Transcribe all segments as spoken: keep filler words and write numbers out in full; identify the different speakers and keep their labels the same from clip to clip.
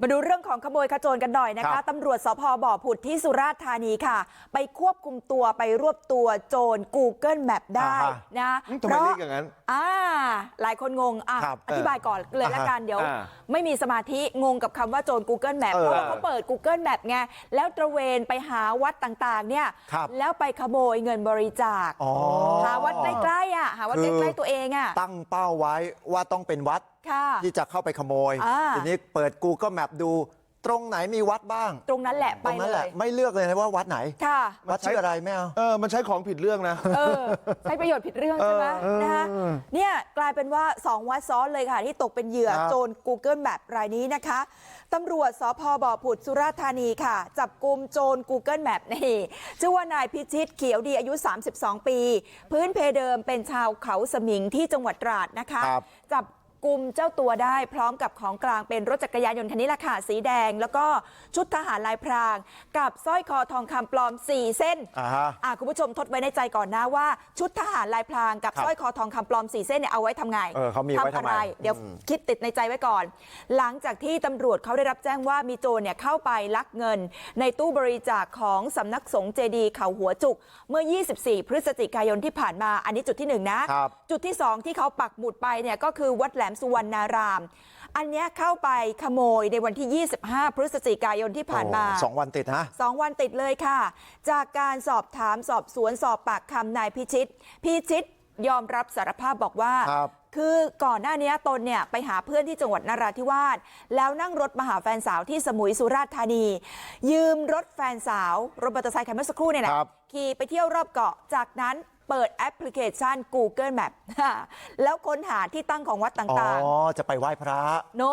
Speaker 1: มาดูเรื่องของขโมยขโจรกันหน่อยนะคะตำรวจสภ.บ่อผุดที่สุราษฎร์ธานีค่ะไปควบคุมตัวไปรวบตัวโจร Google Map ได้นะ
Speaker 2: เพราะอย่างนั้น
Speaker 1: อ่าหลายคนงงอ่ะอธิบายก่อนเลยละกันเดี๋ยวไม่มีสมาธิงงกับคำว่าโจร Google Map เพราะว่าเขาเปิด Google Map ไงแล้วตระเวนไปหาวัดต่างๆเนี่ยแล้วไปขโมยเงินบริจาคหาวัดใกล้ๆอ่ะหาวัดใกล้ๆตัวเองอ่ะ
Speaker 2: ตั้งเป้าไว้ว่าต้องเป็นวัดที่จะเข้าไปขโมยทีนี้เปิด Google Map ดูตรงไหนมีวัดบ้าง
Speaker 1: ตรงนั้นแหละไปเลย
Speaker 2: ไม่เลือกเลยนะว่าวัดไหนวัดชื่ออะไรไม่เอา
Speaker 3: เออมันใช้ของผิดเรื่องนะ
Speaker 1: เออใช้ประโยชน์ผิดเรื่องใช่ไหมนะคะเนี่ยกลายเป็นว่าสองวัดซ้อนเลยค่ะที่ตกเป็นเหยื่อโจร Google Map รายนี้นะคะตำรวจสภ.บ่อผุดสุราษฎร์ธานีค่ะจับกุมโจร Google Map นี่ชื่อว่านายพิชิตเขียวดีอายุสามสิบสองปีพื้นเพเดิมเป็นชาวเขาสมิงที่จังหวัดตราดนะคะจับกุมเจ้าตัวได้พร้อมกับของกลางเป็นรถจักรยานยนต์คันนี้แหละค่ะสีแดงแล้วก็ชุดทหารลายพรางกับสร้อยคอทองคำปลอมสี่เส้นอ่าคุณผู้ชมทดไว้ในใจก่อนนะว่าชุดทหารลายพรางกับสร้อยคอทองคำปลอมสี่เส้นเนี่ยเอาไว้ทำไง
Speaker 2: เออเขามีไว้ทำอะไร
Speaker 1: เดี๋ยวคิดติดในใจไว้ก่อนหลังจากที่ตำรวจเขาได้รับแจ้งว่ามีโจรเนี่ยเข้าไปลักเงินในตู้บริจาคของสำนักสงฆ์เจดีย์เขาหัวจุกเมื่อยี่สิบสี่พฤศจิกายนที่ผ่านมาอันนี้จุดที่หนึ่งนะจุดที่สองที่เขาปักหมุดไปเนี่ยก็คือวัดแหลมสุวรรณารามอันนี้เข้าไปขโมยในวันที่ยี่สิบห้าพฤศจิกายนที่ผ่านมา
Speaker 2: สองวันติดนะ
Speaker 1: สองวันติดเลยค่ะจากการสอบถามสอบสวนสอบปากคำนายพิชิตพิชิตยอมรับสารภาพบอกว่าคือก่อนหน้านี้ตนเนี่ยไปหาเพื่อนที่จังหวัดนราธิวาสแล้วนั่งรถมาหาแฟนสาวที่สมุยสุราษฎร์ธานียืมรถแฟนสาวรถมอเตอร์ไซค์คันเมื่อสักครู่เนี่ยนะขี่ไปเที่ยวรอบเกาะจากนั้นเปิดแอปพลิเคชัน Google Map แล้วค้นหาที่ตั้งของวัดต่างๆ
Speaker 2: อ๋อจะไปไหว้พระ
Speaker 1: โน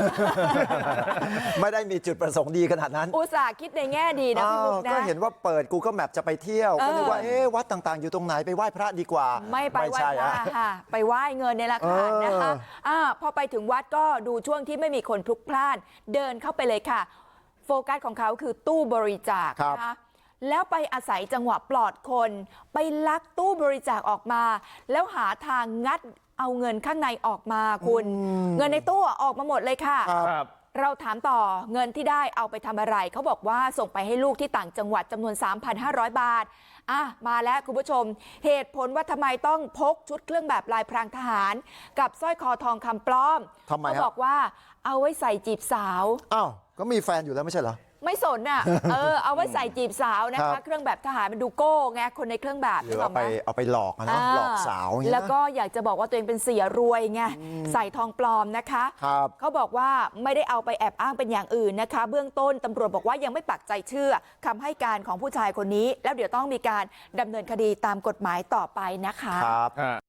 Speaker 2: ไม่ได้มีจุดประสงค์ดีขนาดนั้น
Speaker 1: อุตส่าห์คิดในแง่ดีนะพี่บุ๊กนะ
Speaker 2: ก็เห็นว่าเปิด Google Map จะไปเที่ยวก็นึกว่าเอ๊ะวัดต่างๆอยู่ตรงไหนไปไหว้พระดีกว่า
Speaker 1: ไม่ไปไหว้พระค่ะไปไหว้เงินเนี่ยแหละค่ะนะคะอ่าพอไปถึงวัดก็ดูช่วงที่ไม่มีคนพลุกพล่านเดินเข้าไปเลยค่ะโฟกัสของเขาคือตู้บริจาคนะคะแล้วไปอาศัยจังหวะปลอดคนไปลักตู้บริจาคออกมาแล้วหาทางงัดเอาเงินข้างในออกมาคุณเงินในตู้ออกมาหมดเลยค่ะเราถามต่อเงินที่ได้เอาไปทำอะไรเขาบอกว่าส่งไปให้ลูกที่ต่างจังหวัดจำนวน สามพันห้าร้อย บาทอ่ะมาแล้วคุณผู้ชมเหตุผลว่าทำไมต้องพกชุดเครื่องแบบลายพรางทหารกับสร้อยคอทองคำปลอมเขาบอกว่าเอาไว้ใส่จีบสาว
Speaker 2: อ้าวก็มีแฟนอยู่แล้วไม่ใช่เหรอ
Speaker 1: ไม่สนอ่ะ เออเอาไว้ใส่จีบสาวนะคะเครื่องแบบทหารมันดูโก้ไงคนในเครื่องแบบ
Speaker 2: หรือเอาไปเอาไปหลอกนะหลอกสาว
Speaker 1: แล้วก็อยากจะบอกว่าตัวเองเป็นเสียรวยไงใส่ทองปลอมนะคะเขาบอกว่าไม่ได้เอาไปแอบอ้างเป็นอย่างอื่นนะคะเบื้องต้นตำรวจบอกว่ายังไม่ปักใจเชื่อคำให้การของผู้ชายคนนี้แล้วเดี๋ยวต้องมีการดำเนินคดีตามกฎหมายต่อไปนะคะ